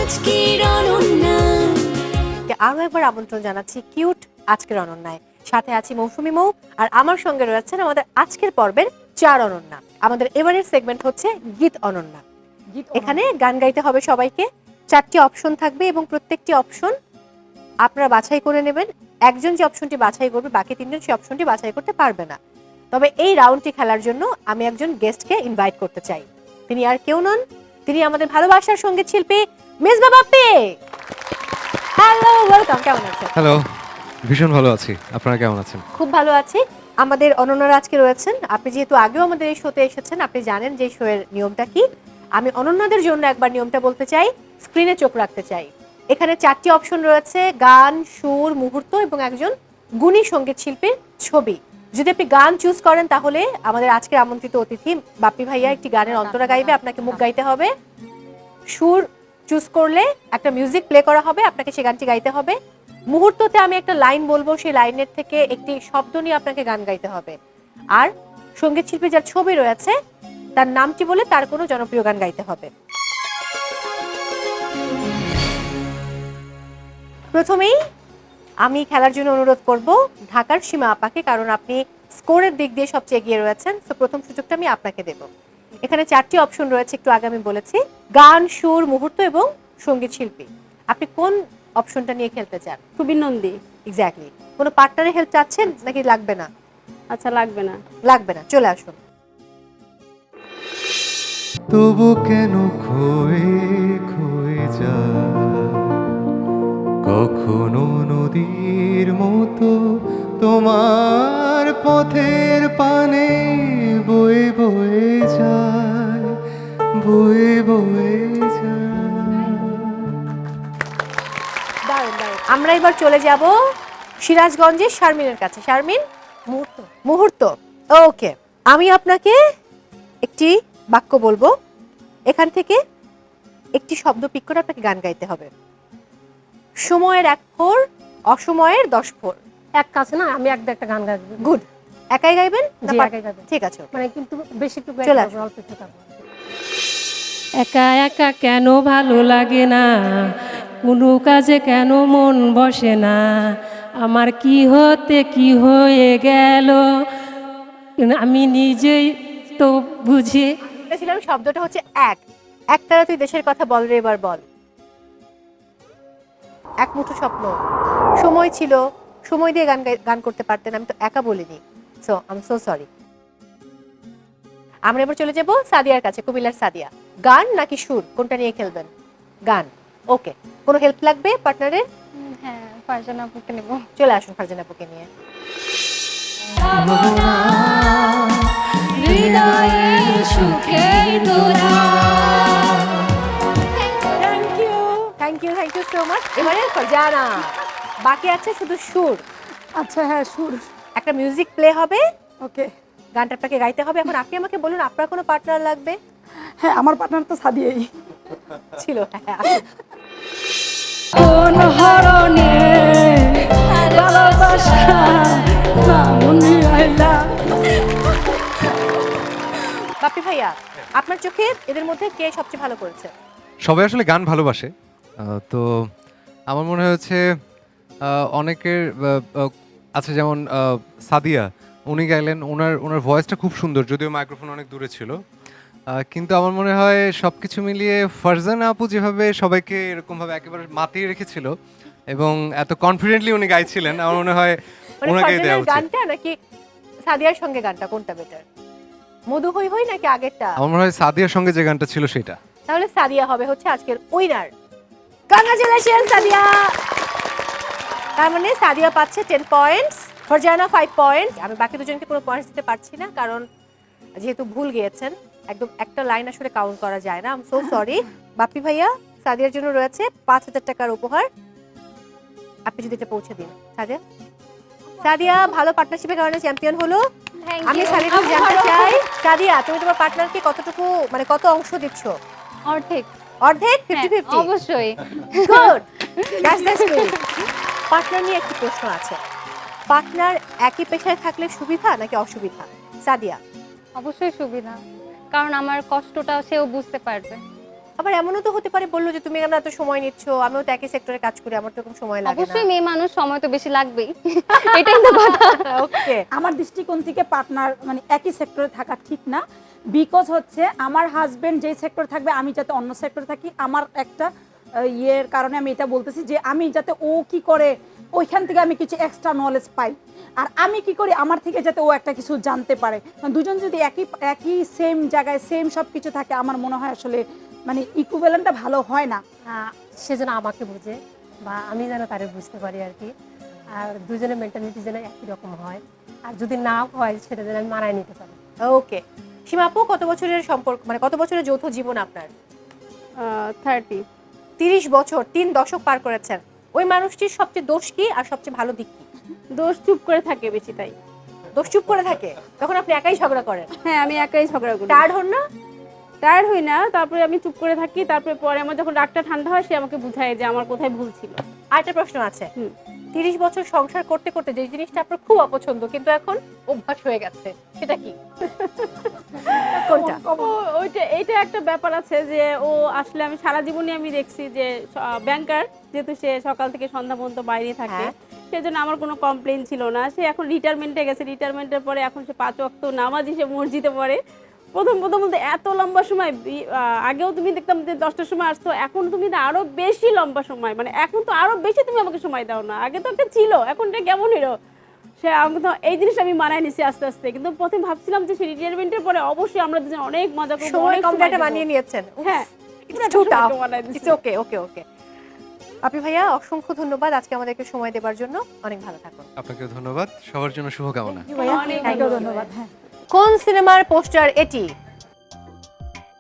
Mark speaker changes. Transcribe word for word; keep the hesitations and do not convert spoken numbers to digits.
Speaker 1: আজকের অনন্যা।
Speaker 2: আরো একবার আমন্ত্রণ জানাচ্ছি কিউট আজকের অনন্যায়। সাথে আছি মৌসুমী মৌ, আর আমার সঙ্গে রয়েছেন আমাদের আজকের পর্বের চার অনন্যা। আমাদের এবারের সেগমেন্ট হচ্ছে গীত অনন্যা। এখানে গান গাইতে হবে সবাইকে। চারটি অপশন থাকবে এবং প্রত্যেকটি অপশন আপনারা বাছাই করে নেবেন। একজন যে অপশনটি বাছাই করবে, বাকি তিনজন সেই অপশনটি বাছাই করতে পারবে না। তবে এই রাউন্ডটি খেলার জন্য আমি একজন গেস্টকে ইনভাইট করতে চাই। তিনি আর কেউ নন, তিনি আমাদের ভালোবাসার সঙ্গীত শিল্পী মেজবা বাপ্পি। Hello, welcome. কেমন আছেন?
Speaker 3: হ্যালো, ভীষণ ভালো আছি। আপনারা কেমন আছেন?
Speaker 2: খুব ভালো আছি। আমাদের অনন্যারা আজকে রয়েছেন। আপনি যেহেতু আগেও আমাদের এই শোতে এসেছেন, আপনি জানেন যে শোয়ের নিয়মটা কি। আমি অনন্যাদের জন্য একবার নিয়মটা বলতে চাই, স্ক্রিনে চোখ রাখতে চাই। এখানে চারটি অপশন রয়েছে: গান, সুর, মুহূর্ত এবং একজন গুণী সঙ্গীত শিল্পীর ছবি। যদি আপনি গান চুজ করেন তাহলে আমাদের আজকের আমন্ত্রিত অতিথি বাপ্পি ভাইয়া একটি গানের অন্তরা গাইবে, আপনাকে মুখ গাইতে হবে। সুর চুজ করলে একটা মিউজিক প্লে করা হবে, আপনাকে সেই গানটি গাইতে হবে। মুহূর্ততে আমি একটা লাইন বলবো, সেই লাইনের থেকে একটি শব্দ নিয়ে আপনাকে গান গাইতে হবে। আর সঙ্গীত শিল্পী যার ছবি রয়েছে তার নামটি বলে তার কোনো জনপ্রিয় গান গাইতে হবে। প্রথমেই আমি খেলার জন্য অনুরোধ করব ঢাকার সীমা আপাকে, কারণ আপনি স্কোরের দিক দিয়ে সবচেয়ে এগিয়ে রয়েছেন। তো প্রথম সুযোগটা আমি আপনাকে দেব। এখানে চারটি অপশন রয়েছে, একটু আগে আমি বলেছি: গান, সুর, মুহূর্ত এবং সঙ্গীত শিল্পী। আপনি কোন অপশনটা নিয়ে খেলতে চান?
Speaker 4: সুবীর নন্দী।
Speaker 2: এক্স্যাক্টলি। কোনো পার্টনারের হেল্প চাচ্ছেন নাকি লাগবে না?
Speaker 4: আচ্ছা, লাগবে না।
Speaker 2: লাগবে না, চলে আসুন।
Speaker 3: তবু কেন খয়ে খয়ে যায় কখনো নদীর মতো তোমার পথের পানে বয়ে বয়ে যায়, বয়ে বয়ে যায়।
Speaker 2: দারুণ দারুণ। আমরা এবার চলে যাব সিরাজগঞ্জের শারমিনের কাছে। শারমিন, মুহূর্ত। মুহূর্ত, ওকে। আমি আপনাকে একটি বাক্য বলবো, এখান থেকে একটি শব্দ পিক করে আপনাকে গান গাইতে হবে। সময়ের এক ফোর, অসময়ের দশ ফোর।
Speaker 4: এক কাছে না, আমি এক একটা গান গাইবো।
Speaker 2: গুড। একাই গাইবেন?
Speaker 4: জি,
Speaker 2: না,
Speaker 4: একাই গাইবো।
Speaker 2: ঠিক আছে,
Speaker 4: মানে কিন্তু বেশি একটু
Speaker 2: চলে
Speaker 4: গাইতে
Speaker 2: আসুন।
Speaker 4: হবে, অল্প একটু গাইবো।
Speaker 5: একা একা কেন ভালো লাগে না, কোনো কাজে কেন মন বসে না, আমার কি হতে কি হয়ে গেল আমি নিজেই তো বুঝি।
Speaker 2: বলেছিলাম শব্দটা হচ্ছে এক। একতারা তুই দেশের কথা বল রে, এবার বল। এক মুঠো স্বপ্ন। সময় ছিল, সময় দিয়ে গান গাই- গান করতে পারতেন, আমি তো একা বলিনি। So I am so sorry. আমরা এবার চলে যাব সাদিয়ার কাছে, কুমিল্লার সাদিয়া। গান নাকি সুর, কোনটা নিয়ে খেলবেন? গান, ওকে। কোনো হেল্প লাগবে পার্টনারের?
Speaker 4: হ্যাঁ, ফারজানা আপুকে নেব।
Speaker 2: চলে আসুন ফারজানা আপুকে নিয়ে।
Speaker 1: হৃদয়ের সুখের দোলা।
Speaker 2: Thank you thank you thank you so much. এবারে ফারজানা, বাকি আছে শুধু সুর।
Speaker 4: আচ্ছা, হ্যাঁ, সুর।
Speaker 2: একটা মিউজিক প্লে হবে,
Speaker 4: ওকে।
Speaker 2: গানটা আপনাকে গাইতে হবে। এখন আপনি আমাকে বলুন আপনার কোনো পার্টনার লাগবে?
Speaker 4: হ্যাঁ, আমার পার্টনার তো সাদিয়াই
Speaker 2: ছিল। হ্যাঁ,
Speaker 5: কোন হরণে ভালোবাসা না মনে আইলা।
Speaker 2: বাপ্পি ভাইয়া, আপনার চোখে এদের মধ্যে কে সবচেয়ে ভালো করেছে?
Speaker 3: সবাই আসলে গান ভালোবাসে, আহ, তো আমার মনে হয়েছে আহ, অনেকের আহ, আহ, আছে, যেমন আহ, সাদিয়া, উনি গাইলেন, ওনার ওনার ভয়েসটা খুব সুন্দর, যদিও মাইক্রোফোন অনেক দূরে ছিল। আহ, কিন্তু আমার মনে হয় সব কিছু মিলিয়ে ফারজানা আপু যেভাবে সবাইকে এরকমভাবে একেবারে মাতিয়ে রেখেছিল এবং এত কনফিডেন্টলি উনি গাইছিলেন, আমার মনে হয়
Speaker 2: মানে
Speaker 3: ওনাকেই দেওয়া
Speaker 2: ফারজানার
Speaker 3: উচিত।
Speaker 2: গানটা নাকি সাদিয়ার সঙ্গে গানটা, কোনটা বেটার? মধু হই হই নাকি আগেরটা?
Speaker 3: আমার মনে হয় সাদিয়ার সঙ্গে যে গানটা ছিল সেটা।
Speaker 2: তাহলে সাদিয়া হবে হচ্ছে আজকের উইনার। কংগ্রাচুলেশন সাদিয়া। তার মানে সাদিয়া পাচ্ছে ten points, Farzana five points. আমি বাকি দুজনকে কোনো পয়েন্টস দিতে পারছি না, কারণ যেহেতু ভুল গিয়েছেন। একদম একটা লাইন আসলে কাউন্ট করা যায় না। I am so sorry. Bappi ভাইয়া, সাদিয়ার জন্য রয়েছে পাঁচ হাজার টাকার উপহার, আপনি যদি এটা পৌঁছে দিন। সাদিয়া সাদিয়া ভালো পার্টনারশিপের কারণে চ্যাম্পিয়ন হলো। আমি সাদিয়া কাছে জানতে চাই, সাদিয়া তুমি তোমার পার্টনারকে কতটুকু, মানে কত অংশ দিচ্ছ?
Speaker 4: অর্ধেক।
Speaker 2: অর্ধেক? Fifty fifty?
Speaker 4: অবশ্যই।
Speaker 2: Good, that's the spirit. Partner নিয়ে একটি প্রশ্ন আছে। পার্টনার একই পেশায় থাকলে সুবিধা নাকি অসুবিধা? সাদিয়া।
Speaker 4: অবশ্যই সুবিধা, কারণ আমার কষ্টটা সেও বুঝতে পারবে।
Speaker 2: আবার এমনও তো হতে পারে বললো যে তুমি কেন এত সময় নিচ্ছ, আমিও তো একই সেক্টরে কাজ করি, আমার তো এরকম সময় লাগে না।
Speaker 4: অবশ্যই মেয়ে মানুষ, সময় তো বেশি লাগবেই। এটাই তো কথা।
Speaker 2: ওকে,
Speaker 6: আমার দৃষ্টিকোণ থেকে পার্টনার মানে একই সেক্টরে থাকা ঠিক না, বিকজ হচ্ছে আমার হাজবেন্ড যেই সেক্টরে থাকবে আমি যাতে অন্য সেক্টরে থাকি, আমার একটা আহ, ইয়ের কারণে আমি এটা বলতেছি যে আমি যাতে ও কি করে ওইখান থেকে আমি কিছু এক্সট্রা নলেজ পাই, আর আমি কি করি আমার থেকে যাতে ও একটা কিছু জানতে পারে। কারণ দুজন যদি একই একই সেম জায়গায় সেম সব কিছু থাকে আমার মনে হয় আসলে মানে ইকুইভ্যালেন্টটা ভালো হয় না।
Speaker 5: আহ, সে যেন আমাকে বুঝে বা আমি যেন তারে বুঝতে পারি আর কি, আর দুজনের মেন্টালিটি যেন একই রকম হয়, আর যদি না হয় সেটা যেন আমি মানায় নিতে পারি।
Speaker 2: ওকে। সীমা আপু, কত বছরের সম্পর্ক, মানে কত বছরের যৌথ জীবন আপনার?
Speaker 4: থার্টি।
Speaker 2: তিরিশ বছর, তিন দশক পার করেছেন। ওই মানুষটির সবচেয়ে দোষ কি আর সবচেয়ে ভালো দিক কি?
Speaker 7: দোষ চুপ করে থাকে বেশি, তাই।
Speaker 2: দোষ চুপ করে থাকে, তখন আপনি একাই ঝগড়া করেন?
Speaker 7: হ্যাঁ, আমি একাই ঝগড়া করি।
Speaker 2: টায়ার্ড হন না?
Speaker 7: টায়ার্ড হই না, তারপরে আমি চুপ করে থাকি, তারপরে পরে আমার যখন রাগটা ঠান্ডা হয় সে আমাকে বুঝায় যে আমার কোথায় ভুল ছিল।
Speaker 2: আরেকটা প্রশ্ন আছে,
Speaker 7: হুম।
Speaker 2: তিরিশ বছর সংসার করতে করতে যে জিনিসটা আপনার খুব অপছন্দ কিন্তু এখন অভ্যাস হয়ে গেছে, সেটা কি? কোনটা?
Speaker 7: ও ওইটা এইটা একটা ব্যাপার আছে যে ও আসলে আমি সারা জীবনই আমি দেখছি যে ব্যাংকার, যেহেতু সে সকাল থেকে সন্ধ্যা পর্যন্ত বাইরে থাকে,
Speaker 2: হ্যাঁ।
Speaker 7: সেজন্য আমার কোনো কমপ্লেন ছিল না। সে এখন রিটায়ারমেন্টে গেছে, রিটায়ারমেন্টের পরে এখন সে পাঁচ ওয়াক্ত নামাজই সে মসজিদে পড়ে। প্রথম প্রথম বলতে এত লম্বা সময়, বি- আহ, আগেও তুমি দেখতাম যে দশটার সময় আসতো, এখন তুমি তো আরো বেশি লম্বা সময়, মানে এখন তো আরো বেশি তুমি আমাকে সময় দাও না। আগে তো একটা ছিল, এখন এটা কেমন হলো? সে আমাকে তো এই জিনিসটা আমি মানায় নিছি আস্তে আস্তে, কিন্তু প্রথমে ভাবছিলাম যে সে রিটায়ারমেন্টের পরে অবশ্যই আমরা দুজন অনেক মজা করবো,
Speaker 2: সময়
Speaker 7: অনেক
Speaker 2: কম
Speaker 7: সময়
Speaker 2: একটা
Speaker 7: দেবো।
Speaker 2: মানিয়ে নিয়েছেন।
Speaker 7: হ্যাঁ,
Speaker 2: It's too tough.
Speaker 7: মানায় দিছি।
Speaker 2: It's okay, okay, okay. আপনি ভাইয়া অসংখ্য ধন্যবাদ আজকে আমাদেরকে সময় দেওয়ার জন্য, অনেক ভালো থাকুন।
Speaker 3: আপনাকে ধন্যবাদ, সবার জন্য শুভকামনা।
Speaker 6: ভাইয়া,
Speaker 7: অনেক
Speaker 6: আপনাকেও
Speaker 7: ধন্যবাদ।
Speaker 6: ধন্যবাদ। হ্যাঁ।
Speaker 2: কোন সিনেমার পোস্টার এটি?